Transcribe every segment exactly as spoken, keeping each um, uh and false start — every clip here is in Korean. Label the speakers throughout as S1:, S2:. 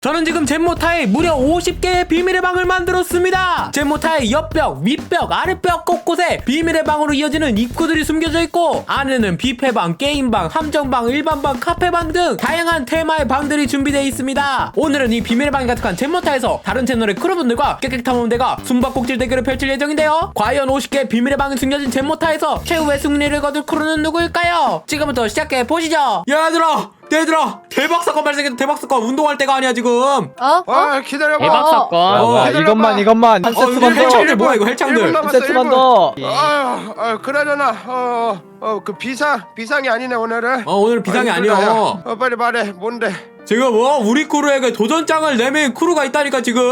S1: 저는 지금 젠모타에 무려 오십 개의 비밀의 방을 만들었습니다. 젠모타의 옆벽, 윗벽, 아랫벽 곳곳에 비밀의 방으로 이어지는 입구들이 숨겨져 있고 안에는 뷔페방, 게임방, 함정방, 일반방, 카페방 등 다양한 테마의 방들이 준비되어 있습니다. 오늘은 이 비밀의 방이 가득한 젠모타에서 다른 채널의 크루분들과 깨끗탐험대가 숨바꼭질 대결을 펼칠 예정인데요. 과연 오십 개의 비밀의 방이 숨겨진 젠모타에서 최후의 승리를 거둘 크루는 누구일까요? 지금부터 시작해 보시죠. 얘들아! 얘들아! 대박 사건 발생했다. 대박 사건. 운동할 때가 아니야 지금.
S2: 어?
S3: 아 기다려봐.
S4: 대박 사건.
S2: 어,
S3: 어,
S2: 뭐야, 이것만 이것만 한
S1: 어,
S2: 세트만 더.
S1: 헬창들 뭐야 이거 헬창들.
S2: 한 세트만 더.
S3: 아, 아 그러잖아. 어어그 비상 비상이 아니네 오늘은.
S1: 어 오늘 비상이
S3: 아,
S1: 아니야.
S3: 어 빨리 말해. 뭔데?
S1: 지금 뭐 우리 크루에게 도전장을 내민 크루가 있다니까 지금.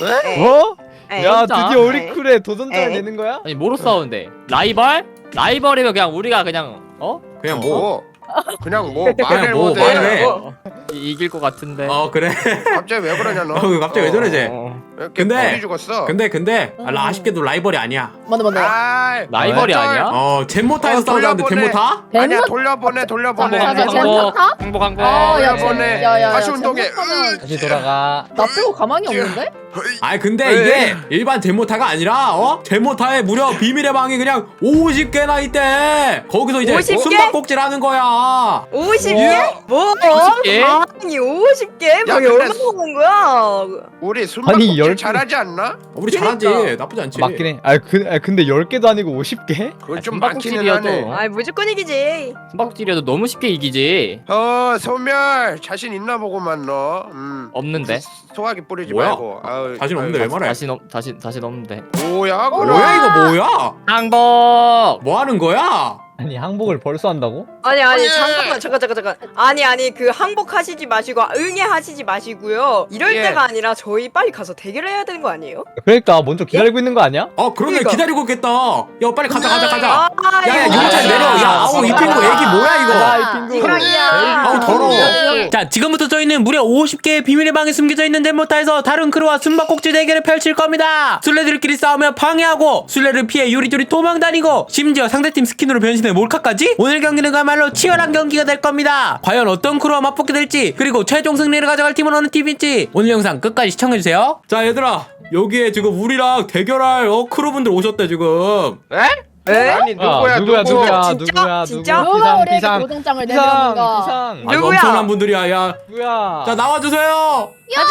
S2: 어?
S5: 에이,
S2: 야
S4: 진짜?
S2: 드디어 우리 쿨에 도전장을
S5: 에이.
S2: 내는 거야?
S4: 아니 뭐로 싸우는데? 라이벌? 라이벌이면 그냥 우리가 그냥 어?
S1: 그냥 뭐?
S3: 뭐? 그냥 뭐 말을
S1: 그냥 뭐
S3: 못해.
S1: 말을 해.
S3: 어,
S4: 이, 이길 것 같은데.
S1: 어 그래.
S3: 갑자기 왜 그러냐 너?
S1: 어 갑자기 왜 저래 쟤.
S4: 어.
S3: 이렇게
S1: 근데-
S3: 머리 죽었어.
S1: 근데 근데 아, 나 아쉽게도 라이벌이 아니야.
S5: 맞네 맞네.
S3: 아,
S4: 라이벌이
S3: 어,
S4: 아니야?
S1: 어 젠모타에서
S3: 어,
S1: 싸우자는데
S3: 돌려보내.
S1: 젠모타?
S3: 아니야
S5: 젠모-
S3: 돌려보내 돌려보내.
S5: 자, 자, 자,
S4: 항복,
S5: 젠모타?
S4: 항복, 항복.
S5: 어, 야,
S3: 돌려보내.
S5: 야, 야, 야,
S3: 다시 운동해.
S5: 젠모타는
S2: 다시 돌아가.
S5: 나 빼고 가만히 없는데?
S1: 아니 근데
S3: 왜?
S1: 이게 일반 젠모타가 아니라 어? 젠모타에 무려 비밀의 방이 그냥 오십 개나 있대. 거기서 이제
S5: 오십 개?
S1: 숨바꼭질 하는 거야.
S5: 오십
S3: 개?
S5: 뭐?
S4: 오십 개?
S5: 아니 오십 개?
S3: 야,
S5: 뭐
S3: 근데
S5: 얼마 먹은 거야?
S3: 우리
S2: 아니,
S3: 술먹기
S2: 열 개-
S3: 잘하지 않나?
S1: 우리
S5: 그러니까.
S1: 잘하지. 나쁘지 않지.
S2: 맞긴 해. 아, 그, 아 근데 열 개도 아니고 오십 개?
S3: 그건
S4: 아,
S3: 좀 많기는
S4: 숨바꼭질이어도.
S3: 하네.
S5: 아이 무조건 이기지.
S4: 숨바꼭질이어도 너무 쉽게 이기지.
S3: 어 소멸 자신 있나 보고만 너. 음.
S4: 없는데.
S3: 소화기 뿌리지
S1: 뭐야?
S3: 말고. 아유,
S1: 자신 없는데 왜 말해?
S4: 다시 넘 다시 다시 넘는데.
S3: 뭐야 그럼?
S1: 뭐야 이거 뭐야?
S4: 항복.
S1: 뭐 하는 거야?
S2: 아니 항복을 벌써 한다고?
S5: 아니 아니
S3: 아니.
S5: 잠깐만 잠깐 잠깐 잠깐. 아니 아니 그 항복하시지 마시고 응애하시지 마시고요. 이럴
S3: 예.
S5: 때가 아니라 저희 빨리 가서 대결을 해야 되는 거 아니에요?
S2: 그러니까 먼저 기다리고 있는 거 아니야?
S1: 어 그러네.
S5: 그러니까.
S1: 기다리고 있겠다. 야 빨리 가자 가자 가자.
S5: 아,
S1: 야야
S5: 이거
S1: 용찬
S5: 진짜.
S1: 내려. 야 아우 이 핑구 애기 뭐야 이거.
S2: 아, 이 핑구.
S5: 이거야.
S1: 아우 더러워.
S5: 네.
S1: 자 지금부터 저희는 무려 오십 개의 비밀의 방에 숨겨져 있는 젠모타에서 다른 크루와 숨바꼭질 대결을 펼칠 겁니다. 술래들끼리 싸우며 방해하고 술래를 피해 요리조리 도망다니고 심지어 상대팀 스킨으로 변신해 몰카까지. 오늘 경기는 그야말로 치열한 경기가 될 겁니다. 과연 어떤 크루와 맞붙게 될지 그리고 최종 승리를 가져갈 팀은 어느 팀일지 오늘 영상 끝까지 시청해주세요. 자 얘들아 여기에 지금 우리랑 대결할 어, 크루분들 오셨대 지금.
S3: 에?
S5: 에?
S3: 아니 누구야
S2: 아, 누구야
S3: 누구?
S2: 누구야
S5: 진짜?
S2: 누구야
S5: 진짜?
S2: 누구
S6: 누가
S2: 비상
S6: 우리에게
S2: 비상
S6: 도전장을
S2: 비상
S6: 내밀었는가?
S2: 비상
S1: 아주
S5: 누구야?
S1: 엄청난 분들이야. 야,
S2: 누구야?
S1: 자 나와주세요.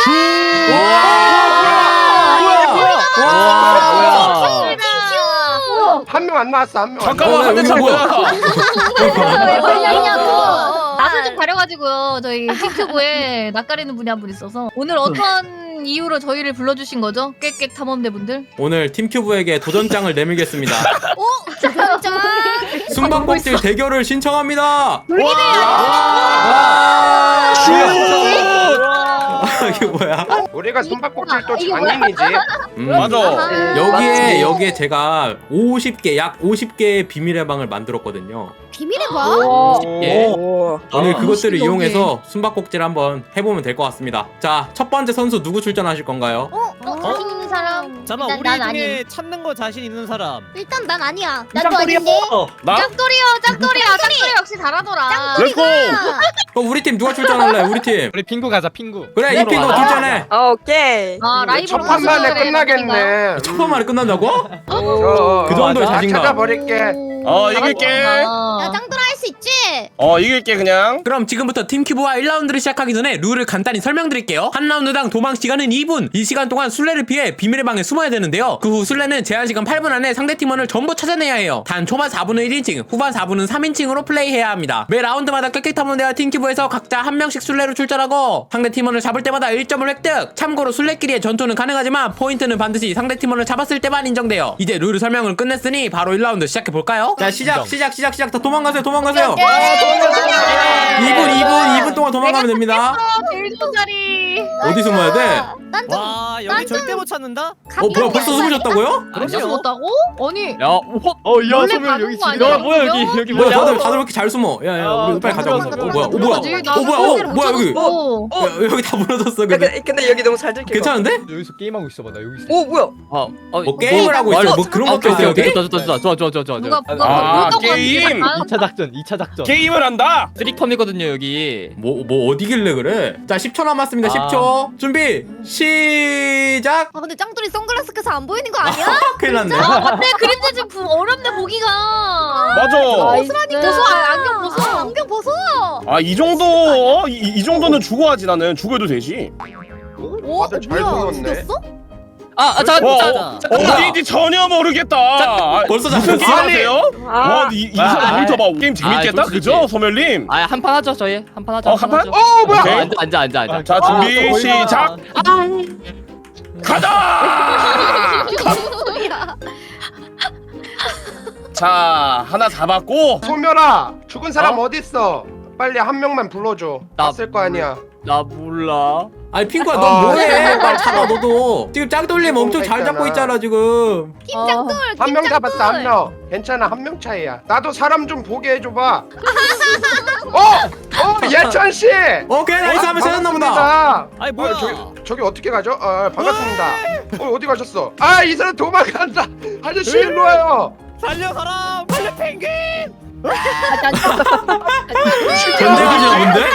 S3: 한 명 안 나왔어 한 명.
S1: 잠깐만 한 대
S2: 어,
S1: 뭐야?
S6: 왜 걸렸냐고.
S7: 낯을 좀 가려가지고요. 저희 틱튜브에 낯가리는 분이 한 분 있어서 오늘 어떤 이유로 저희를 불러주신 거죠? 깨깨 탐험대 분들?
S1: 오늘 팀큐브에게 도전장을 내밀겠습니다.
S6: 진짜.
S1: 숨바꼭질 대결을 신청합니다. 이게 뭐야?
S3: 우리가 숨바꼭질 또
S6: 이게 뭐야?
S3: 장인이지.
S1: 음,
S6: 맞아.
S1: 여기에 여기에 제가 오십 개 약 오십 개의 비밀의 방을 만들었거든요.
S6: 비밀의 방?
S4: 예.
S5: 오.
S1: 오늘
S4: 아,
S1: 그것들을
S6: 여기.
S1: 이용해서 숨바꼭질 한번 해보면 될 것 같습니다. 자, 첫 번째 선수 누구 출전하실 건가요?
S6: 어? 어? 자신 있는 사람?
S8: 잠깐만
S6: 일단
S8: 우리
S6: 난
S8: 중에
S6: 아님.
S8: 찾는 거 자신 있는 사람.
S6: 일단 난 아니야. 나도 아닌데.
S8: 나?
S7: 짝돌이요, 짝돌이야, 짝돌이 역시 잘하더라.
S8: 렛츠고!
S1: 그럼 우리 팀 누가 출전할래? 우리 팀.
S2: 우리 핑구 가자 핑구.
S1: 그래, 이 핑거 출전해.
S5: 오케이.
S7: 아 라이브로
S3: 첫 판만에 끝나겠네.
S1: 첫 번만에 끝난다고?
S3: 어,
S1: 그 정도의
S2: 맞아.
S1: 자신감.
S3: 찾아버릴게.
S8: 어 이길게.
S6: 야 짱돌아 할 수 있지?
S8: 어 이길게 그냥.
S1: 그럼 지금부터 팀큐브와 일 라운드를 시작하기 전에 룰을 간단히 설명드릴게요. 한 라운드당 도망 시간은 이 분. 이 시간 동안 술래를 피해 비밀의 방에 숨어야 되는데요. 그 후 술래는 제한 시간 팔 분 안에 상대 팀원을 전부 찾아내야 해요. 단 초반 사 분은 일 인칭, 후반 사 분은 삼 인칭으로 플레이해야 합니다. 매 라운드마다 깨끗함원대와 팀큐브에서 각자 한 명씩 술래로 출전하고 상대 팀원을 잡을 때마다 일 점을 획득. 참고로 술래끼리의 전투는 가능하지만 포인트는 반드시 상대 팀원을 잡았을 때만 인정돼요. 이제 룰 설명을 끝냈으니 바로 일 라운드 시작해볼까요? 자 시작 시작 시작 시작 다 도망가세요 도망가세요. 이 분 이 분 이 분 동안 도망가면 됩니다.
S7: 제일 좋은 자리.
S1: 어디 숨어야 돼?
S6: 난좀
S8: 와 여기
S6: 난
S8: 절대
S6: 좀-
S8: 못 찾는다.
S1: 어 뭐야 벌써 숨으셨다고요?
S7: 벌써 죽었다고? 아니
S4: 야 호.
S2: 어야
S7: 원래
S2: 소멸
S7: 가는
S2: 여기
S7: 거
S2: 있어.
S7: 아니야?
S2: 야 뭐야 여기 여기
S1: 뭐야
S2: 뭐야?
S1: 다들 다들 왜 이렇게 잘 숨어? 야야
S2: 아,
S1: 우리 빨리 가자. 어
S2: 들어가자,
S1: 뭐야? 어
S2: 들어가자.
S1: 뭐야?
S7: 그러지,
S1: 어
S7: 나도
S1: 뭐야? 어
S7: 거기를
S1: 뭐야 여기?
S7: 어.
S5: 어?
S1: 야, 여기 다 무너졌어
S5: 야,
S1: 근데.
S5: 근데, 근데 여기 너무 잘 들켜.
S1: 괜찮은데?
S2: 여기서 게임하고 있어봐 나 여기 있어.
S5: 오 뭐야?
S4: 어, 어,
S1: 뭐 게임을 하고 있어? 뭐 그런
S4: 아,
S1: 것도
S4: 오케이
S1: 있어요
S4: 오케이
S1: 여기?
S4: 좋다 좋다 좋아 좋아 좋아 좋아.
S7: 누가 누가
S8: 아,
S7: 물던 거
S8: 게임!
S7: 같은데
S2: 이 차 작전 이 차 작전.
S8: 게임을 한다.
S4: 쓰리컴이거든요 여기.
S1: 뭐 뭐 어디길래 그래? 자 십 초 남았습니다.
S2: 아.
S1: 십 초 준비 시작.
S6: 아 근데 짱돌이 선글라스 껴서 안 보이는 거 아니야?
S1: 큰일 났네.
S7: 아 맞네 그림자 지금 부- 어렵네 보기가.
S8: 맞아.
S6: 벗으라니까.
S7: 벗어 아, 안경 벗어.
S6: 안경 벗어.
S8: 아 이 정도 어? 이, 이 정도는 주고 하지 나는 죽어도 되지.
S6: 오,
S3: 다들 잘
S6: 뭐야?
S3: 벗었네.
S6: 죽였어?
S4: 아, 아 잠깐.
S8: 어,
S4: 자, 자,
S8: 어디인지 전혀 모르겠다. 아,
S1: 벌써
S8: 무슨 게임
S1: 잡혔어?
S8: 하세요?
S5: 아,
S8: 와, 이, 이 사람
S2: 아,
S8: 모니터 봐. 게임 재밌겠다,
S4: 아, 솔직히.
S8: 그죠, 소멸님?
S4: 아, 한 판 하죠 저희. 한 판 하죠.
S8: 어, 한 판?
S4: 하죠.
S3: 어 뭐야?
S8: 오케이.
S4: 앉아 앉아 앉아 앉아.
S8: 자, 준비
S2: 아,
S8: 시작. 가자.
S6: 소리야.
S8: 자, 하나 잡았고.
S3: 소멸아, 죽은 사람
S8: 어?
S3: 어? 디 있어? 빨리 한 명만 불러줘.
S4: 나-
S3: 봤을 거 아니야.
S4: 나 몰라.
S1: 아니 핑구야
S3: 아.
S1: 넌 뭐해? 빨리 잡아 너도. 지금 짱돌림 엄청 잘
S3: 있잖아.
S1: 잡고 있잖아 지금.
S6: 김짱돌.
S3: 한 명 잡았어 한 명. 괜찮아 한 명 차이야. 나도 사람 좀 보게 해줘봐. 어, 어 예찬 씨.
S1: 오케이 나이스 하면 찾았나 보다.
S3: 반갑습니다.
S8: 아이
S3: 어, 저기 저기 어떻게 가죠? 어, 반갑습니다. 어 어디 가셨어? 아 이 사람 도망간다. 아저씨 일로 와요.
S8: 살려 사람. 살려 펭귄.
S1: 전쟁이냐 근데?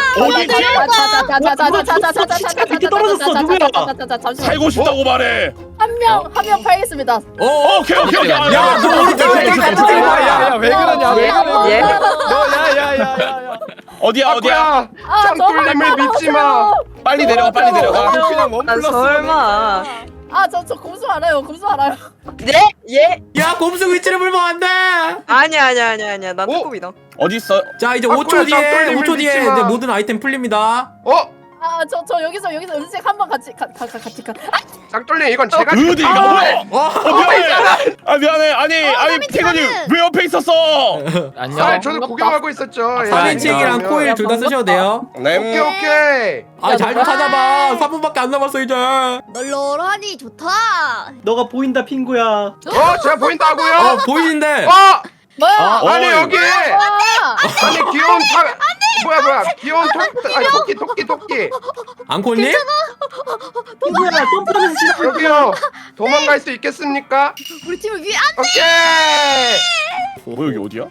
S8: 어디지?
S9: 밑에 떨어졌어 누구야?
S8: 살고 싶다고 말해.
S9: 한명한 명 팔겠습니다.
S1: 어?
S8: 오케이 오케이 오케이.
S1: 야, 너 우리 팀 같이 같이 팀
S2: 야야야 왜 그러냐 왜 그러냐.
S5: 예?
S2: 너야야야야야.
S8: 어디야 어디야?
S3: 아구야.
S9: 아,
S3: 짱돌림을 믿지 마.
S8: 빨리 내려가 빨리 내려가.
S2: 그냥 원
S5: 난
S2: 플러스.
S5: 설마.
S9: 아저 저 검수 알아요. 검수 알아요.
S5: 네? 예?
S1: 야 곰수 위치를 물면 안 돼.
S5: 아니야 아니야 아니야 아니야. 난
S3: 어?
S5: 특급이다.
S8: 어디 있어?
S1: 자 이제
S3: 아,
S1: 오 초
S3: 그래,
S1: 뒤에
S3: 짱돌림을
S1: 오 초 뒤에
S3: 믿지 마.
S1: 이제 모든 아이템 풀립니다.
S3: 어
S9: 아 저 저 여기서 여기서 은색 한 번 같이 가, 가, 가, 같이 가.
S3: 짱돌림 이건 제가
S8: 어디가?
S3: 아,
S8: 뭐야?
S1: 어?
S8: 어 미안해. 아 미안해. 아니 아니 태건이 왜 옆에 있었어?
S4: 안녕.
S3: 아 저도 구경하고 있었죠. 예,
S1: 삼 인칭이랑
S3: 안녕.
S1: 코일 둘 다 쓰셔도 돼요.
S3: 오케이
S8: 네.
S3: 오케이.
S1: 아 잘 좀 찾아봐. 삼 분밖에 안 남았어 이제.
S6: 널널하니 좋다.
S9: 너가 보인다 핑구야.
S3: 어 제가 보인다고요?
S1: 어 보이는데.
S3: 어
S9: 뭐야?
S8: 어,
S3: 아니
S8: 어이.
S3: 여기
S9: 아,
S3: 아니 귀여운 타 뭐야 뭐야 귀여운 토 아니 토끼 토끼 토끼
S1: 앙코님?
S9: 핑구야 점프하면서 지나.
S3: 여기요 도망갈 수 있겠습니까?
S6: 우리 팀을 위해 안.
S3: 오케이.
S8: 뭐 여기 어디야?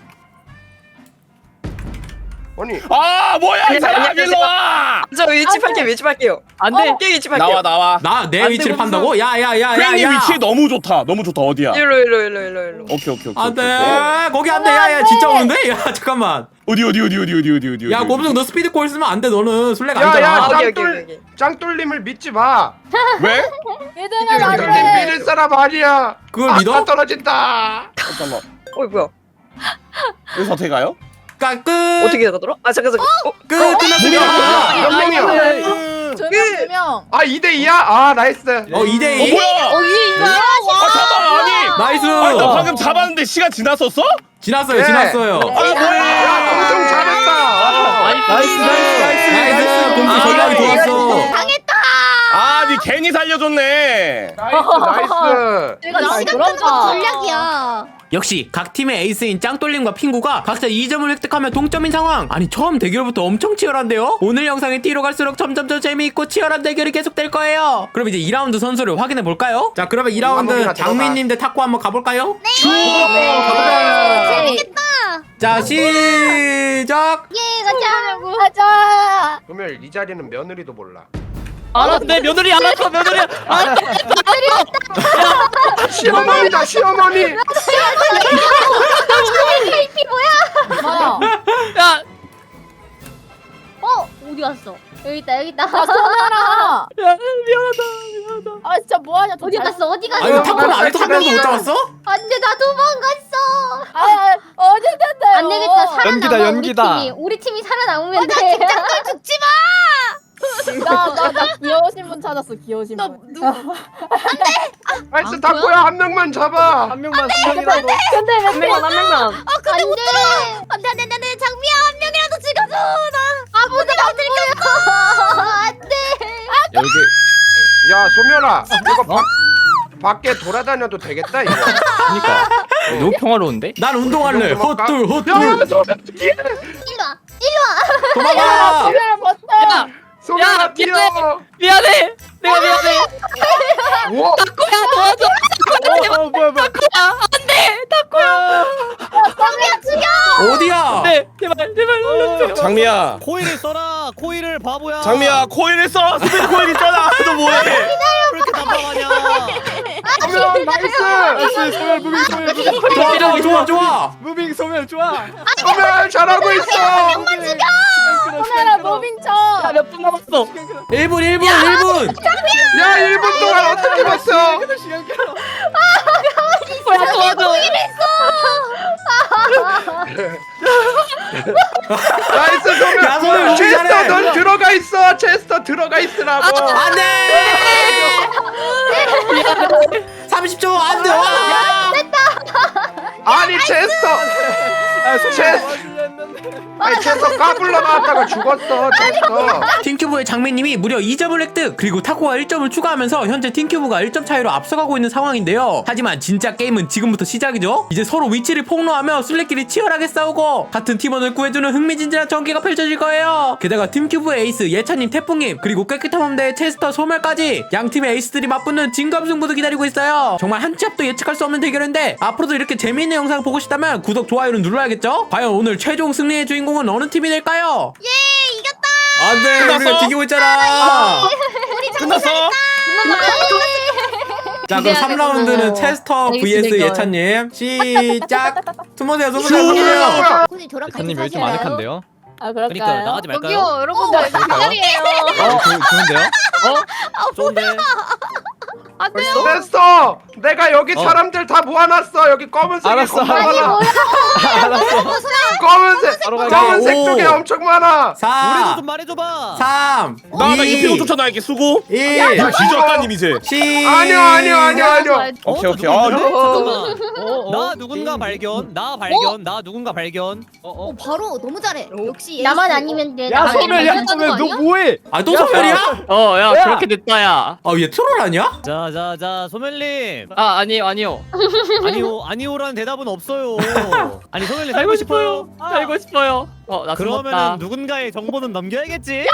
S3: 아니
S8: 아 뭐야 이 사람 일로 와.
S5: 저 위치 팔게요 위치 팔게요.
S4: 안돼.
S5: 깨 위치 팔게요.
S8: 나와 나와.
S1: 나 내
S4: 안 돼,
S1: 위치를
S4: 무슨-
S1: 판다고? 야야야야야.
S8: 팬님 위치 너무 좋다. 너무 좋다. 어디야?
S5: 일로 일로 일로 일로 일로.
S8: 오케이 오케이 오케이.
S1: 안돼
S8: 오케이.
S1: 거기 안돼 야야 진짜 오는데? 야 잠깐만.
S8: 어디 어디 어디 어디 어디 어디 어디.
S1: 야
S8: 어디,
S1: 곰수 너 스피드 콜 쓰면 안돼 너는 술래가
S3: 야,
S1: 아니잖아.
S3: 야,
S5: 오케이 오케이
S3: 짱돌.
S5: 오케이.
S3: 짱돌림을 믿지 마.
S8: 왜?
S9: 얘들아
S3: 짱돌림
S9: 나를.
S3: 믿을 사람 아니야.
S1: 그걸 믿어?
S3: 아까 떨어진다.
S8: 잠깐만.
S5: 어이 뭐야?
S8: 여기서 어떻게 가요?
S1: 까 끝.
S5: 어떻게 가더라? 아 잠깐 잠깐. 어?
S1: 끝 끝났습니다.
S3: 몇 명이야?
S9: 저명 명.
S3: 아 이 대 이야? 아 나이스.
S1: 어 이
S8: 어
S1: 대 이.
S8: 뭐야?
S7: 어디 있어?
S8: 아 잠깐 아니.
S1: 나이스.
S8: 아니 나 방금 잡았는데 시간 지났었어?
S1: 지났어요
S3: 네.
S1: 지났어요.
S8: 아 뭐야?
S3: 야 엄청 잘했다.
S4: 나이스
S2: 나이스 나이스 나이스.
S1: 나이스 곰수
S8: 아,
S1: 전략이
S8: 이거
S1: 좋았어.
S6: 당했다.
S8: 아, 니 괜히 살려줬네.
S3: 나이스 나이스.
S9: 내가 잘
S6: 시간
S9: 돌아온다.
S6: 끈건 전략이야.
S1: 역시 각 팀의 에이스인 짱돌림과 핑구가 각자 이 점을 획득하며 동점인 상황. 아니 처음 대결부터 엄청 치열한데요? 오늘 영상이 뒤로 갈수록 점점 더 재미있고 치열한 대결이 계속될 거예요. 그럼 이제 이 라운드 선수를 확인해 볼까요? 자 그러면 이 라운드
S3: 한번이나 들어가.
S1: 장미님 대 탁구 한번 가볼까요?
S6: 네.
S1: 가보자.
S6: 재밌겠다.
S1: 자 시작.
S6: 예 가자.
S9: 가자.
S3: 소멸 이 자리는 며느리도 몰라.
S4: 알았네 며느리 알았어 며느리. 아,
S3: 시어머니다 시어머니.
S9: 뭐야?
S4: 야,
S6: 어 어디 갔어? 여기 있다 여기 있다.
S9: 아 소멸아.
S4: 야 미안하다 미안하다.
S9: 아 진짜 뭐하냐?
S6: 어디 갔어 어디 갔어?
S1: 아니 탁구는 아직도 한 명도 못 잡았어?
S6: 안돼 나 도망갔어.
S9: 아 어디 있는데?
S6: 안 되겠다 살아남아
S2: 연기다, 연기다.
S6: 우리 팀이 우리 팀이 살아남으면 돼. 짱돌 죽지 마.
S9: 나나나 귀여우신 분 찾았어. 귀여우신 분.
S6: 누구?
S3: 나이스 탁구야 한 명만 잡아.
S2: 한 명만 수명이라도.
S9: 근데
S5: 한 명만 한 명만.
S6: 아 근데 못 들어. 안돼 안돼 안돼 장미야 한 명이라도 죽여줘. 나 아무데나 못 들켰어. 안돼.
S4: 여기
S3: 야 소멸아 이거 바, 밖에 돌아다녀도 되겠다 이거.
S4: 그니까 너무 평화로운데?
S1: 난 운동할래.
S3: 그 정도
S1: 헛둘 헛둘.
S3: 야, 소멸 뛰어.
S6: 일로 와.
S1: 도망가.
S9: 소멸 버텨.
S4: 야!
S3: 소멸아
S4: 야,
S3: 뛰어.
S4: 미안해! 내가 미안해!
S3: 우와.
S4: 타코야 도와줘!
S2: 어, 어 뭐야 뭐야.
S4: 타코야! 안돼! 타코야!
S6: 장미야 죽여.
S1: 어디야?
S4: 네! 제발 제발 살려줘!
S8: 장미야.
S10: 코일을 써라. 코일을 바보야.
S8: 장미야 코일을 써. 스피드 코일 있잖아. 너 뭐해?
S10: 왜 이렇게 답답하냐?
S3: 소멸 나이스.
S2: 나이스 소멸 무빙 소멸 무빙.
S1: 좋아 좋아 좋아 좋아.
S2: 무빙 소멸 좋아.
S3: 소멸 잘하고 있어.
S9: 소멸아 무빙 쳐.
S4: 야몇 분 남았어?
S1: 일 분 일 분 일 분.
S3: 야 일 분 동안 어떻게 봤어?
S2: 시간 끌어.
S4: 타코야 도와줘!
S3: 나이스
S1: 야, 소멸
S3: 소멸.
S1: 너무
S3: 체스터
S1: 잘해.
S3: 넌 들어가 있어. 체스터 들어가 있으라고.
S1: 안돼. 삼십 초 안돼. 와.
S3: 아니 체스터.
S2: 아 소멸
S3: 체-
S2: 도와주려 했는데.
S3: 아니 체스터 까불러 나왔다가 죽었어. 체스터.
S1: 팀큐브의 장미님이 무려 이 점을 획득, 그리고 타코가 일 점을 추가하면서 현재 팀큐브가 일 점 차이로 앞서가고 있는 상황인데요. 하지만 진짜 게임은 지금부터 시작이죠. 이제 서로 위치를 폭로하며 술래끼리 치열하게 싸우고 같은 팀원을 구해주는 흥미진진한 전개가 펼쳐질 거예요. 게다가 팀큐브의 에이스 예찬님, 태풍님, 그리고 깨끗한 함대의 체스터, 소멸까지 양 팀의 에이스들이 맞붙는 진검승부도 기다리고 있어요. 정말 한 치 앞도 예측할 수 없는 대결인데 앞으로도 이렇게 재미있는 영상 보고 싶다면 구독, 좋아요는 눌러야겠죠? 과연 오늘 최종 승리의 주인공은 어느 팀이 될까요?
S6: 예 이겼다.
S1: 안돼,
S8: 끝났어?
S1: 우리가 이기고 있잖아.
S8: 끝났어?
S1: 자, 그럼 삼 라운드는 체스터 vs 예찬님 시작. 숨으세요, 숨으세요, 숨으세요.
S6: 군이 저랑 같이
S2: 예찬님 요즘
S6: 사실래요?
S2: 아늑한데요?
S9: 아
S10: 그러니까
S9: 그럴까요?
S10: 나가지 말까요?
S7: 여기요 여러분들 그 자리예요.
S2: 어 조, 좋은데요?
S10: 좋은데.
S7: 안 돼요.
S3: 체스터. 내가 여기
S2: 어.
S3: 사람들 다 모아놨어. 여기 검은색이
S2: 알았어,
S3: 겁나
S2: 알았어.
S3: 많아.
S2: 알았어.
S3: 검은색.
S2: 바로 가게.
S3: 검은색
S1: 오.
S3: 쪽에 엄청 많아.
S10: 우리도
S1: 사,
S10: 좀 말해줘봐.
S1: 삼,
S8: 나나
S1: 이,
S8: 이피오 쫓아다닐게 수고.
S1: 일.
S8: 야 뒤졌다님 이제.
S1: 시.
S3: 아니요 아니요 아니요 아니요.
S8: 오케이,
S10: 어,
S8: 오케이. 아,
S10: 누군가? 잠깐만.
S2: 어, 어.
S10: 나 누군가 발견. 나 발견. 나 누군가 발견.
S2: 어, 어.
S6: 어 바로 너무 잘해. 역시
S9: 나만
S6: 에이스.
S9: 아니면 돼.
S2: 야
S9: 나만
S2: 소멸 야
S9: 아니면
S2: 소멸
S9: 되는
S2: 너
S9: 거
S2: 뭐해?
S1: 아, 또 소멸이야?
S4: 어야
S2: 야.
S4: 그렇게 됐다 야.
S1: 아, 얘 트롤 아니야?
S10: 자자자 소멸님.
S4: 아 아니에요 아니요.
S10: 아니요 아니요라는 대답은 없어요. 아니 소멸님 살고 싶어요.
S4: 살고 싶어요. 어나
S10: 그러면은
S4: 숨었다.
S10: 누군가의 정보는 남겨야겠지.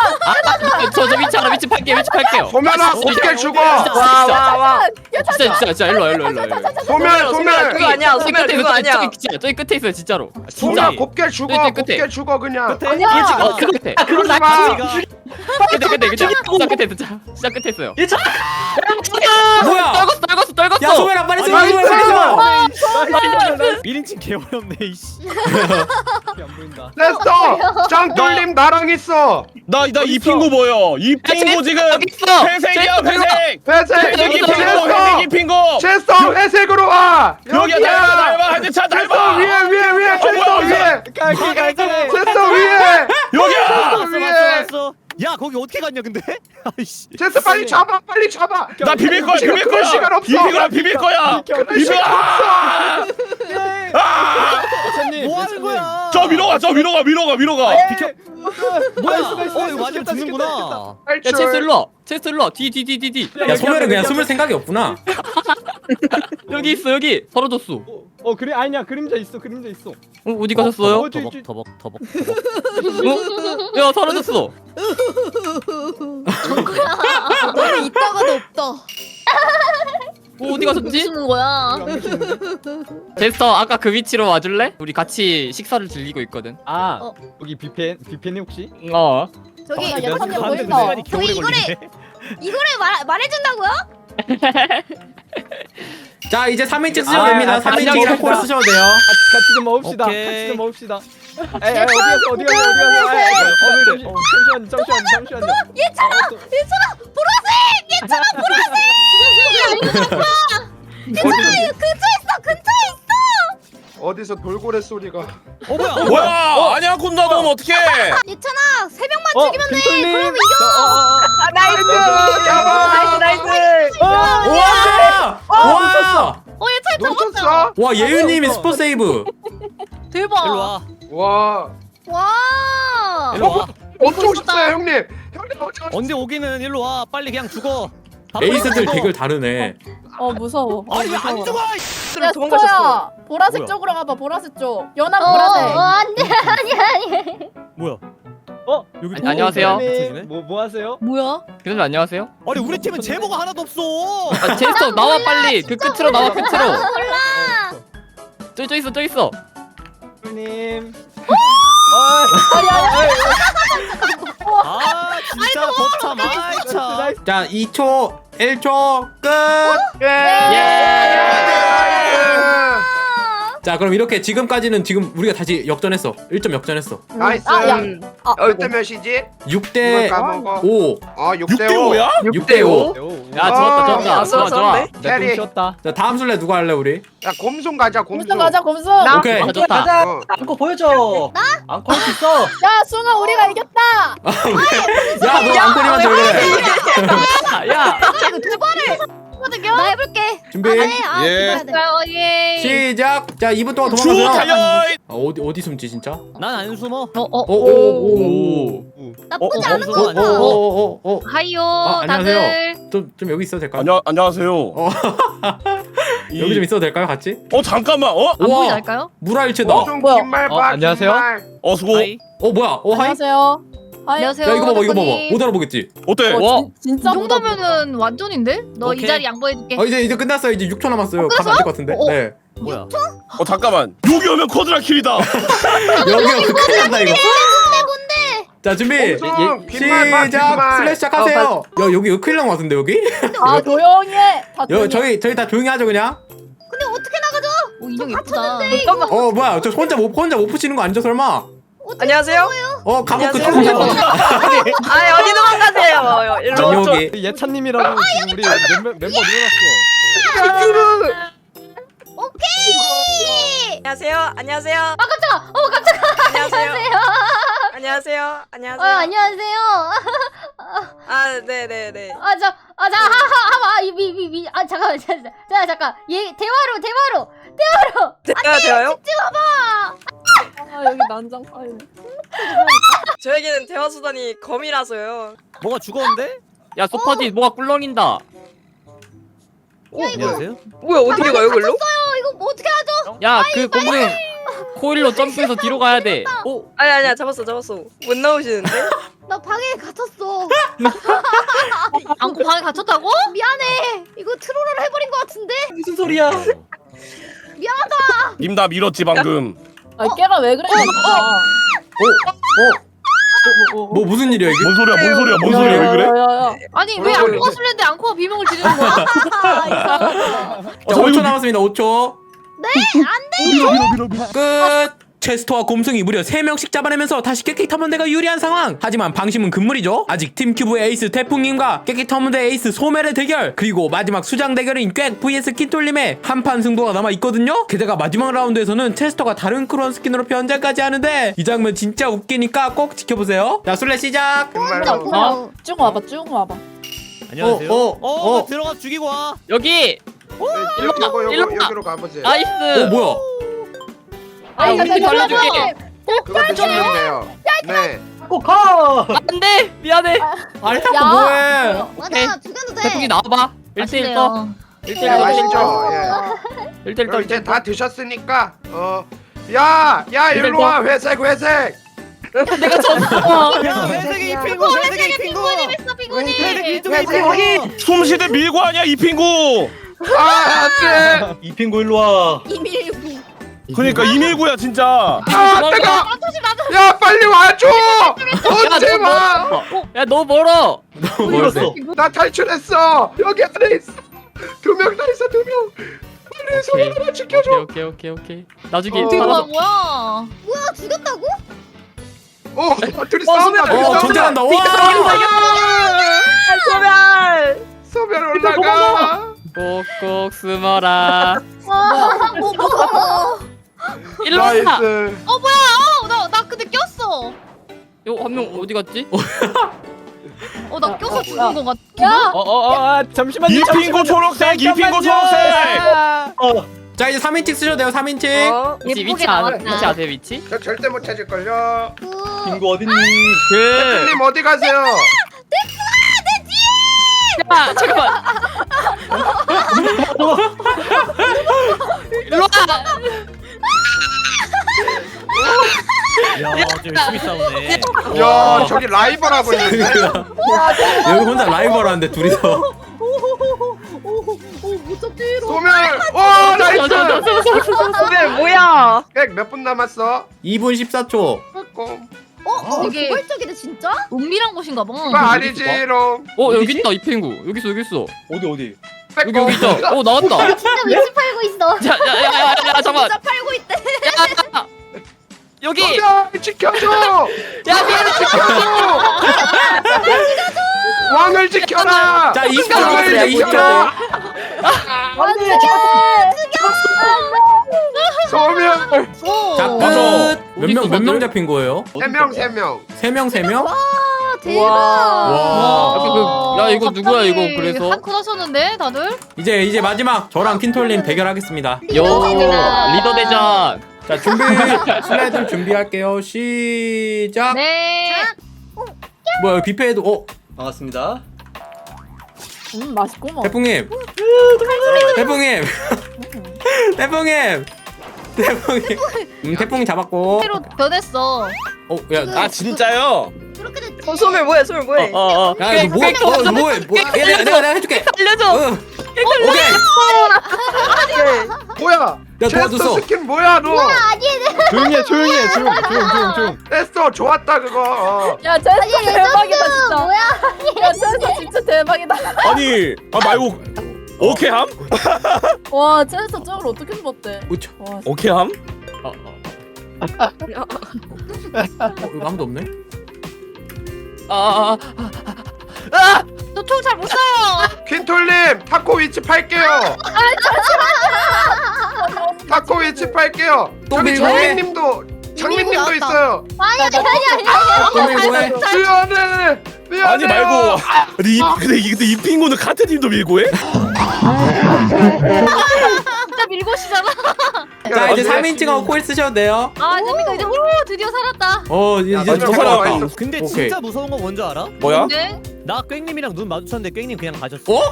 S4: 저저 위치 알아 위치 팔게 위치 팔게요.
S3: 소멸아 곱게 죽어.
S5: 와 와 와.
S4: 진짜 진짜 진짜 일로 와, 일로 와, 일로 와, 일로 와.
S3: 소멸 소멸.
S5: 그거 아니야.
S4: 저기
S5: 소멸
S4: 끝에
S5: 그거
S4: 있어,
S5: 아니야.
S4: 저기 진짜 저기 끝에 있어요 진짜로.
S3: 소멸
S10: 진짜.
S3: 곱게 죽어.
S4: 끝에, 끝에.
S3: 곱게 죽어 그냥.
S10: 끝에
S4: 어, 그 끝에.
S3: 그러지 마.
S4: 끝에 끝에 끝에. 진짜 끝에 있어. 진짜 끝에 있어요.
S1: 뭐야?
S4: 떨궜어 떨궜어 떨궜어.
S1: 야, 소멸아, 빨리 숨어, 소멸 빨리 숨어.
S10: 일인칭 개어렵네 이씨.
S2: 안 보인다.
S3: 체스터. 짱돌림 나랑 있어.
S8: 나나 이 핑구 보여. 이 핑구 지금
S4: 여기 있어.
S8: 회색이야 회색.
S3: 회색.
S8: 회색이 핑구
S3: 체스터.
S8: 회색이 핑구.
S3: 체스터 회색으로 와.
S8: 여기야 닮아 닮아 한대 차
S3: 체스터
S8: 닮아.
S3: 위에 위에 위에 체스터
S8: 뭐야,
S3: 위에.
S2: 깔기 깔기.
S3: 체스터 위에.
S8: 여기야.
S10: 왔어
S3: 위에.
S10: 왔어 왔어. 야 거기 어떻게 갔냐 근데? 아이씨.
S3: 체스터 빨리 잡아 빨리 잡아.
S8: 나 비빌 거야
S3: 지금
S8: 비빌
S3: 그럴
S8: 거야.
S3: 시간 없어.
S8: 비빌 거야 비빌 거야. 비빌 거야. 아!
S2: 예찬님.
S10: 뭐 하는 거야?
S8: 저 위로 가, 저 위로 가, 위로 가, 위로 가.
S2: 비켜.
S10: 뭐야?
S2: 나이스, 나이스,
S10: 어
S2: 나이스.
S10: 이거 맞으면
S2: 죽겠다,
S10: 죽는구나.
S4: 야
S3: 탈출.
S4: 체스 일로 와. 체스 일로 와. 뒤 뒤 뒤 뒤 뒤.
S1: 야, 소멸은 그냥 숨을 생각이 없구나.
S4: 여기 있어 여기. 사라졌어. 어
S2: 어 그래 아니야 그림자 있어 그림자 있어.
S4: 어디 가셨어요?
S2: 어, 저, 저,
S10: 터벅 터벅 터벅.
S4: 어? 야 사라졌어.
S6: 너는 있다가도 없다.
S4: 어, 어디 가셨지?
S7: 무슨 거야?
S2: 안 계시는데?
S4: 제스터 아까 그 위치로 와줄래? 우리 같이 식사를 즐기고 있거든.
S2: 아
S6: 어.
S2: 여기 비펜 비펜이 혹시?
S4: 어.
S6: 저기
S9: 아,
S2: 내가
S9: 예찬이
S2: 지금
S9: 보인다.
S2: 시간이
S6: 저기
S2: 겨울에
S6: 이거를
S2: 걸리네.
S6: 이거를 말 말해준다고요?
S1: 자, 이제 삼 인칭 쓰셔도
S2: 아,
S1: 됩니다.
S2: 아,
S1: 삼 인칭
S2: 같이
S1: 콜
S2: 먹자.
S1: 쓰셔도 돼요.
S2: 같이, 같이 좀 먹읍시다.
S10: 오케이.
S2: 같이 좀 먹읍시다. 에이, 에이, 어디 갔어? 어디 갔어? 어디 갔어? 에이, 에이, 어, 잠시- 어, 잠시만요, 잠시만요, 잠시만요.
S6: 얘들아 얘들아 보라색 얘들아 보라색. 얘들아 근처에 있어 근처에 있어.
S3: 어디서 돌고래 소리가.
S10: 어 뭐야?
S8: 뭐야? 아니야, 군다 넌 어떻게?
S6: 예찬아 세 명만
S2: 어,
S6: 죽이면 돼.
S2: 김솔님.
S6: 그럼 이겨.
S2: 저, 어, 어, 어.
S5: 아 나이스.
S3: 잡아.
S5: 나이스 나이스.
S1: 와! 와!
S7: 어 얘 차 잡았다.
S3: 놓쳤어?
S1: 와, 예윤님이 스포 세이브.
S7: 대박.
S10: 일로 와.
S3: 와.
S6: 와.
S10: 일로 와.
S3: 언제 오셨어요 형님? 형님 언제 오셨어요?
S10: 언제 오기는 일로 와. 빨리 그냥 죽어.
S1: 에이스들 대결 다르네.
S9: 어 무서워. 어,
S10: 아니 왜 안
S9: 무서워.
S10: 죽어?
S9: 야
S5: 도망가셨어.
S9: 스토야 보라색
S10: 뭐야?
S9: 쪽으로 가봐. 보라색 쪽. 연한
S6: 어,
S9: 보라색.
S6: 어, 안돼 아니 아니.
S10: 뭐야?
S2: 어?
S10: 여기
S4: 아니, 안녕하세요.
S10: 붙여지네?
S2: 뭐, 뭐 하세요?
S7: 뭐야?
S4: 교수님 안녕하세요.
S10: 아니 우리 팀은 제보가 하나도 없어.
S4: 아, 제스터 나와 빨리. 그 끝으로 나와 끝으로.
S6: 몰라.
S4: 저기 저 있어 저 있어.
S2: 님.
S10: 아 진짜 거참 아이 참.
S1: 자, 이 초, 일 초, 끝! 자, 그럼 이렇게 지금까지는 지금 우리가 다시 역전했어. 일 점 역전했어.
S3: 나이스.
S9: 아, 야. 아,
S3: 몇 대 몇이지?
S1: 육 대
S3: 이걸 까먹어.
S1: 오.
S3: 어, 육
S8: 육
S3: 대
S8: 대
S3: 오.
S8: 오야?
S1: 육 대 오.
S4: 야 좋았다 좋았다.
S5: 아,
S4: 좋아 좋아.
S5: 좋았는데?
S2: 내꿈
S3: 캐리.
S2: 쉬었다.
S1: 자, 다음 술래 누가 할래, 우리?
S3: 야, 곰순 가자, 곰순.
S9: 곰순 가자 곰순.
S1: 오케이.
S4: 아, 좋다.
S3: 어.
S2: 안고 보여줘. 나? 안고 할 수 있어.
S9: 야 숭아 우리가 이겼다.
S1: 야, 너 안꼬리만 줘, 그래.
S4: 야.
S6: 이거 두 번을 거든요. 나 해볼게.
S1: 준비.
S6: 아, 네. 아,
S8: 예.
S6: 해야 돼.
S7: 자, 어, 예.
S1: 시작. 자, 이 분 동안
S8: 주
S1: 도망가세요.
S8: 달려.
S1: 아, 어디 어디 숨지 진짜?
S10: 난 안 숨어.
S7: 어, 어,
S1: 오, 오, 오.
S6: 나쁘지
S10: 어, 어,
S6: 않은
S10: 어,
S6: 거
S10: 어,
S6: 같아.
S1: 오, 오, 오, 오.
S7: 하이요,
S1: 아, 안녕하세요.
S7: 다들.
S1: 좀, 좀 여기 있어도 될까요?
S8: 안녕 안녕하세요.
S1: 어.
S8: 이-
S1: 여기 좀 있어도 될까요, 같이?
S8: 어 잠깐만. 어?
S7: 안 보이지
S1: 우와,
S7: 않을까요?
S1: 물알체다.
S3: 곰순
S9: 뭐야?
S3: 긴말 봐,
S2: 어, 안녕하세요.
S3: 긴말.
S8: 어 수고.
S10: 하이.
S1: 어, 뭐야? 어, 하이.
S9: 안녕하세요. 하이.
S7: 안녕하세요.
S1: 야, 이거 봐봐, 이거 봐봐.
S7: 덕분이.
S1: 못 알아보겠지?
S8: 어때?
S9: 어,
S4: 와.
S9: 진, 진짜
S7: 이 정도면은 완전인데? 너 이
S10: 오케이.
S7: 자리 양보해줄게.
S1: 어, 이제 이제 끝났어요. 이제 육 초 남았어요. 가면 안 될 것 같은데.
S7: 어, 어.
S1: 네.
S10: 뭐야?
S8: 어 잠깐만. 여기 오면 쿼드라킬이다.
S1: 여기 큰일 났다 이거. 자, 준비.
S3: 곰순 긴말 봐,
S1: 시작.
S3: 긴말.
S1: 슬래시 시작하세요. 야, 여기 큰일 난것 같은데 여기?
S9: 아 조용히 해. 다
S1: 여,
S9: 조용히 해.
S1: 저희 저희 다 조용히 하죠 그냥.
S6: 근데 어떻게 나가죠?
S7: 오, 인형 예쁘다.
S1: 어, 뭐야? 저 혼자 못 혼자 못 푸시는 거 아니죠 설마?
S5: 안녕하세요.
S1: 어, 감옥 그
S5: 안녕하세요.
S1: 쪽.
S5: 아 어디 도망가세요? 일로
S1: 전
S5: 와.
S1: 여기.
S2: 예찬님이라고 지금 우리 멤버, 멤버 늘어났어.
S6: 오케이.
S5: 안녕하세요. 안녕하세요.
S6: 아 깜짝아. 어 깜짝아.
S5: 안녕하세요.
S6: 안녕하세요.
S5: 안녕하세요.
S6: 어
S5: 안녕하세요.
S6: 안녕하세요.
S5: 아 네네네.
S6: 아저아자하하아이미미미아 잠깐만 잠깐 자 잠깐 얘 대화로 대화로 대화로.
S5: 제가 돼요?
S9: 아 여기 난장 파일.
S5: 저에게는 대화 수단이 검이라서요.
S10: 뭐가 죽었는데?
S4: 야 소파지 뭐가 꿀렁인다.
S10: 안녕하세요.
S5: 뭐야 어떻게 가요 글로?
S6: 어 이거 뭐 어떻게 하죠?
S4: 야 그 곰은 코일로 점프해서 뒤로 가야 돼. 어?
S5: 아니 아니야 잡았어 잡았어. 못 나오시는데?
S6: 나 방에 갇혔어.
S7: 안고 방에 갇혔다고?
S6: 미안해. 이거 트롤을 해버린 것 같은데.
S2: 무슨 소리야?
S6: 미안하다.
S8: 님 다 밀었지 방금.
S9: 아 걔가 왜 그래?
S1: 어, 뭐 무슨 일이야 이게?
S8: 뭔 소리야? 뭔 소리야? 뭔 소리야? 왜 그래?
S9: 야야야.
S7: 아니 왜
S3: 그래.
S7: 안고가 술래인데 안고가 비명을 지르는 거야?
S1: 자, 오 초 남았습니다. 오 초.
S8: 밀어 밀어 밀어 밀어.
S1: 끝. 체스터와 곰승이 무려 세 명씩 잡아내면서 다시 깨끼 탐험대가 유리한 상황. 하지만 방심은 금물이죠. 아직 팀큐브의 에이스 태풍님과 깨끼 탐험대 에이스 소멜의 대결, 그리고 마지막 수장 대결인 꽥 vs 킨톨님의 한판 승부가 남아있거든요. 게다가 마지막 라운드에서는 체스터가 다른 크론 스킨으로 변장까지 하는데 이 장면 진짜 웃기니까 꼭 지켜보세요. 자, 술래 시작.
S3: 긴말로.
S6: 어?
S9: 쭉 와봐 쭉 와봐.
S10: 안녕하세요.
S1: 어,
S10: 어,
S1: 어, 어.
S10: 들어가 죽이고 와.
S4: 여기.
S3: 네, 요거 요거
S4: 일로
S3: 요거
S4: 와.
S3: 여기로 가보세요.
S4: 나이스.
S1: 어, 뭐야?
S4: 아 우리 팀 살려줄게.
S3: 그거 드시면 돼요. 네.
S2: 꼭 가.
S4: 안돼 미안해.
S1: 아니 자꾸
S9: 야.
S1: 뭐해?
S6: 맞아 죽여도 돼.
S4: 태풍이 나와봐. 일 대 일 떠.
S7: 아쉽네요.
S4: 일 대 일
S3: 네,
S4: 떠.
S3: 맛있죠? 예.
S4: 일 대 일 떠.
S3: 그럼 이제 다 드셨으니까 어. 야, 야, 일로 와. 회색, 회색.
S10: 야 회색이 이 핑구. 회색이 이 핑구.
S6: 했어 피곤이.
S10: 회색이 이쪽에 이
S3: 회색
S10: 핑구.
S8: 숨쉬대 밀고 하냐 이 핑구.
S3: 아, 안 돼.
S2: 이 핑구 일로 와.
S6: 이밀구.
S8: 그러니까 이밀구야 진짜.
S3: 아, 내가. 야, 빨리 와줘. 언제 와?
S4: 야너 멀어.
S1: 너무 멀었어.
S3: 나 탈출했어. 여기 안에 있어. 두 명 다 있어, 두 명. 빨리 손을 하나 지켜줘.
S4: 오케이 오케이 오케이. 나중에
S3: 어.
S7: 뭐야
S4: 살아서.
S7: 뭐야?
S6: 뭐야 죽였다고?
S3: 어, 둘이 싸운다. 둘이
S1: 어,
S3: 싸운다.
S1: 전쟁한다. 와!
S5: 소멸.
S3: 소멸 올라가.
S4: 꼭꼭 숨어라.
S6: 와, 뭐 무서워.
S4: 일로 와.
S3: 나이스.
S7: 어, 나, 나 근데 꼈어.
S4: 이거 한 명 어디 갔지?
S7: 어, 나 껴서 죽은 거 같아.
S9: 야.
S2: 어어어 아, 잠시만요.
S8: 이 핑구 초록색. 이 핑구 초록색.
S2: 어.
S1: 자, 이제 삼 인칭 쓰셔도 돼요. 삼 인칭.
S5: 어?
S4: 위치
S7: 예쁘게
S4: 위치 아,
S7: 나왔다.
S4: 위치 아세요 위치?
S3: 저 절대 못 찾을걸요.
S6: 그
S2: 핑구 어딨니?
S4: 그
S3: 대표님 어디 가세요?
S4: 아 잠깐만. 일로 와.
S10: 야, 저 열심히 싸우네.
S3: 야 저기 라이벌 하고 있는데.
S1: 여기 혼자 라이벌 하는데 둘이서.
S9: 오못 잡지로.
S3: 소멸. 오 나이스.
S5: 근데 뭐야?
S3: 몇 분 남았어?
S1: 이 분 십사 초.
S3: 꼼.
S6: 어? 어?
S7: 되게-
S6: 포괄적이네 진짜?
S7: 은밀한 곳인가 봐.
S3: 그거 아니지롱.
S4: 어 여기 있다 이 펭구. 여기 있어 여기 있어.
S2: 어디 어디?
S4: 여기 여기 있다. 어 나왔다.
S6: 진짜 위치 팔고 있어.
S4: 야야야야 잠깐만.
S6: 진짜 팔고 있대.
S4: 야, 여기.
S3: 소멸 지켜줘.
S4: 야
S3: 왕을 지켜줘. 왕을 지켜라.
S1: 자 이십 초
S3: 왕을
S1: 남았습니다. 이십 초.
S3: 지켜라. 소멸.
S1: 자
S8: 맞아.
S1: 끝. 몇 명 몇 명 잡힌 거예요?
S3: 세 명 세 명.
S1: 세 명 세 명?
S6: 아 대박.
S1: 와.
S4: 아까 그- 야, 이거 누구야, 이거, 그래서?
S7: 한컷 하셨는데 다들?
S1: 이제 이제 마지막 저랑 킨톨님 대결하겠습니다.
S4: 요 리더 대전.
S1: 자 준비 슬라이드 준비할게요. 시작.
S7: 네.
S1: 뭐야 뷔페에도 어
S2: 반갑습니다.
S9: 음 맛있구먼.
S1: 태풍님. 태풍님. 태풍님. 태풍님. 음 태풍이 잡았고.
S7: 새로 변했어.
S1: 어야
S8: 아 진짜요?
S6: 그렇게 됐지.
S5: 어, 소멸 뭐야? 소멸 뭐해?
S4: 어어.
S1: 야 이거 뭐야? 어 이거 뭐야? 뭐? 야, 내가 내가 내가 해줄게.
S4: 알려줘.
S1: 응. 오케이.
S3: 뭐야?
S1: 야,
S3: 체스터
S1: 도와줬어.
S3: 스킨 뭐야 너?
S2: 조용히 해 조용히 해 조용 조용 조용 조용.
S3: 됐어 좋았다 그거. 어.
S9: 야 제스터 대박이다 진짜.
S6: 뭐야?
S9: 야 제스터 진짜 대박이다.
S8: 아니 아 말고 오케이함?
S9: 와 제스터 저걸 어떻게 뽑았대?
S1: 우차.
S9: 와
S8: 오케이함?
S4: 어, 어.
S1: 어 이거 아무도 없네.
S4: 아, 아,
S7: 너총 잘 못 쏴요.
S3: 퀸톨님 타코 위치 팔게요. 타코 위치 팔게요.
S1: 또
S3: 저기
S1: 밀고 해.
S3: 장민님도 장민님도
S6: 나왔다.
S3: 있어요.
S6: 아니 아니 아니.
S1: 또 밀고 해.
S3: 미안해. 미안해요.
S8: 아니 말고 근데 이 근데 이 근데 이 핑구는 카테님도 밀고 해?
S7: 진짜 밀고시잖아.
S1: 자 이제
S3: 야,
S1: 삼 인칭하고 코일 쓰셔도 돼요.
S7: 아 재밌다. 이제 오 드디어 살았다.
S1: 어 이제
S3: 야,
S1: 이제
S3: 맞아,
S1: 저
S3: 맞아,
S1: 사람
S3: 맞아.
S1: 왔다.
S10: 근데
S1: 오케이.
S10: 진짜 무서운 거 뭔지 알아?
S8: 뭐야?
S7: 근데
S10: 나 꽹님이랑 눈 마주쳤는데 꽹님 그냥 가셨어.
S1: 어?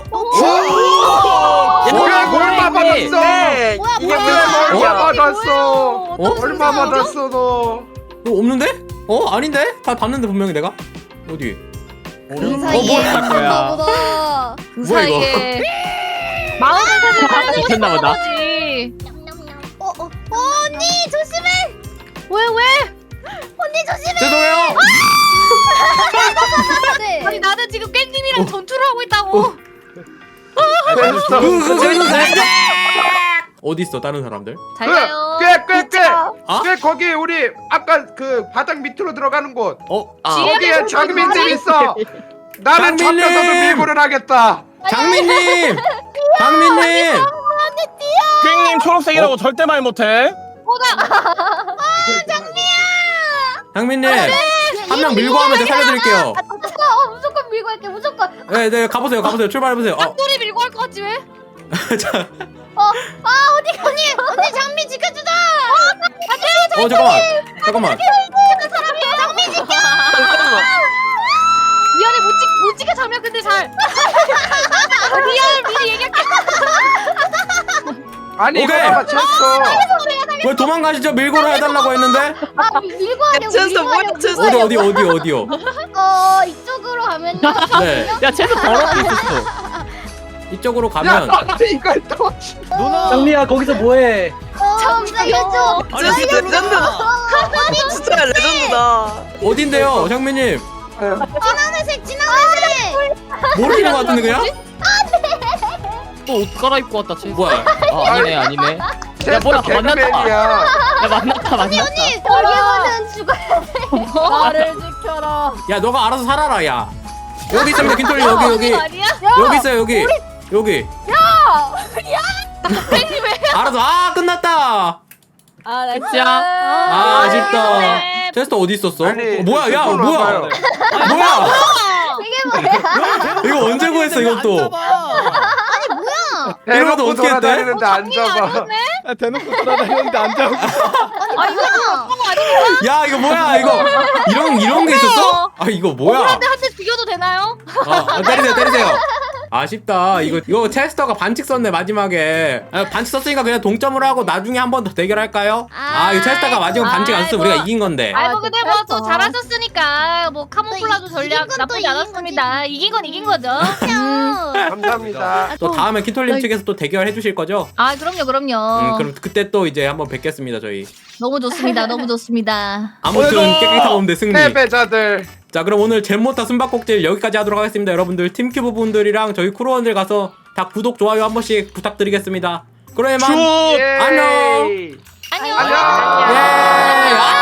S3: 뭐야 얼마 받았어?
S5: 네.
S6: 뭐야,
S5: 이게
S6: 뭐야.
S5: 무슨
S3: 얼마
S5: 말이야?
S3: 받았어?
S1: 어?
S3: 얼마 받았어 너?
S1: 어 없는데? 어 아닌데? 다 봤는데 분명히 내가 어디?
S6: 그 사이에 있었나 보다.
S7: 그
S1: 뭐야, 이거?
S7: 사이에 마음을 사실 가지고
S4: 미쳤나 보다.
S7: 거지.
S6: 어, 어, 어, 언니 조심해.
S7: 왜 왜?
S6: 언니 조심해.
S1: 죄송해요.
S6: 네.
S7: 아니 나는 지금 깻님이랑 전투를 하고 있다고.
S3: 됐어.
S1: 어디 있어 다른 사람들?
S7: 잘 가요.
S1: 아?
S3: 꽤꽤꽤꽤 거기 우리 아까 그 바닥 밑으로 들어가는 곳.
S1: 어
S4: 아.
S3: 거기에 장민님 있어. 나는
S1: 장민님!
S3: 잡혀서도 밀고를 하겠다.
S1: 장민님. 장민님.
S8: 꽹님 초록색이라고 절대 말 못해.
S1: 장민님. 한 명 밀고 하면 제가 살려드릴게요.
S6: 아, 어, 무조건 밀고 할게 무조건.
S1: 네, 네, 가보세요, 가보세요. 출발해보세요. 어,
S7: 소리 밀고 할 것 같지 왜?
S1: 자,
S6: 아 어디 언니 언니 장미 지켜주자.
S1: 어, 잠깐만, 잠깐만.
S6: 장미 지켜.
S7: 미안해 못, 찍, 못 찍게 장면 근데 잘. 미안 미리 얘기할게.
S3: 아니 이거
S1: 오케이.
S3: 봐봐 체스터.
S1: 왜 도망가시죠? 밀고를 해달라고 했는데.
S6: 아 밀- 밀고 하려고
S5: 제스터
S6: 밀고
S5: 뭐야,
S6: 하려고.
S5: 제스터.
S1: 어디, 어디, 어디, 어디요?
S6: 어 이쪽으로 가면요.
S1: 네,
S4: 야 쟤도 더럽게 있었어.
S1: 이쪽으로
S3: 야
S1: 가면.
S3: 너한테 이걸 또.
S10: 누나.
S2: 장미야 거기서 뭐해?
S6: 어 살려줘.
S5: 진짜 레전드다. 진짜 레전드다.
S1: 어딘데요, 장민님?
S6: 진한 회색 진한 회색.
S1: 모르는 것 같은데 그냥?
S4: 또 옷 갈아입고 왔다 쟤.
S1: 뭐야?
S4: 아 아니네 아니네. 야
S3: 체스터
S4: 뭐야 만났다.
S3: 개그맨이야.
S4: 야 만났다 만났다.
S6: 여기서는 죽어야
S9: 나를 지켜라.
S1: 야, 너가 알아서 살아라, 야. 여기 있습니다, 킨톨리 여기, 여기.
S7: 아니야?
S1: 여기 있어요, 여기. 여기. 알아서. 아, 끝났다.
S9: 아 나
S4: 끝이야.
S1: 아, 아쉽다.
S7: 네.
S1: 테스터 어디 있었어?
S3: 아니,
S1: 어, 뭐야, 야,
S3: 손
S1: 뭐야?
S3: 와봐요.
S1: 뭐야?
S6: 이게 뭐야?
S1: 이거 언제 구했어, 이것도? 이거도
S3: 대놓고
S1: 어떻게 했대?
S3: 돌아다니는데 안 잡아.
S2: 아, 대놓고 돌아다니는데 안 잡고.
S7: 아 이거
S1: 야, 이거 뭐야, 이거. 이런, 이런 게 있었어? 아, 이거 뭐야?
S7: 억울한데 한 대 죽여도 되나요?
S1: 아, 아, 때리세요, 때리세요. 아쉽다. 이거 이거 체스터가 반칙 썼네 마지막에. 아, 반칙 썼으니까 그냥 동점으로 하고 나중에 한 번 더 대결할까요? 아 이거 체스터가 마지막 반칙 안 썼으면 우리가 이긴 건데.
S7: 아이 뭐 근데 뭐 또
S9: 됐어.
S7: 잘하셨으니까 뭐 카모플라조
S6: 또
S7: 전략
S6: 이긴 건또
S7: 나쁘지
S6: 이긴
S7: 않았습니다. 이긴 건 이긴 거죠.
S3: 감사합니다.
S1: 또 다음에 키톨님 측에서 또 대결해 주실 거죠?
S7: 아 그럼요 그럼요.
S1: 음, 그럼 그때 또 이제 한번 뵙겠습니다 저희.
S7: 너무 좋습니다. 너무 좋습니다.
S1: 아무튼
S3: 오늘도
S1: 깨끗한 홈대 승리.
S3: 패배자들.
S1: 자 그럼 오늘 잼모타 숨바꼭질 여기까지 하도록 하겠습니다. 여러분들 팀큐브 분들이랑 저희 크루원들 가서 다 구독 좋아요 한 번씩 부탁드리겠습니다. 그럼 이만
S8: 추억.
S3: 예.
S1: 안녕.
S7: 안녕.
S3: 안녕.
S1: 예. 아!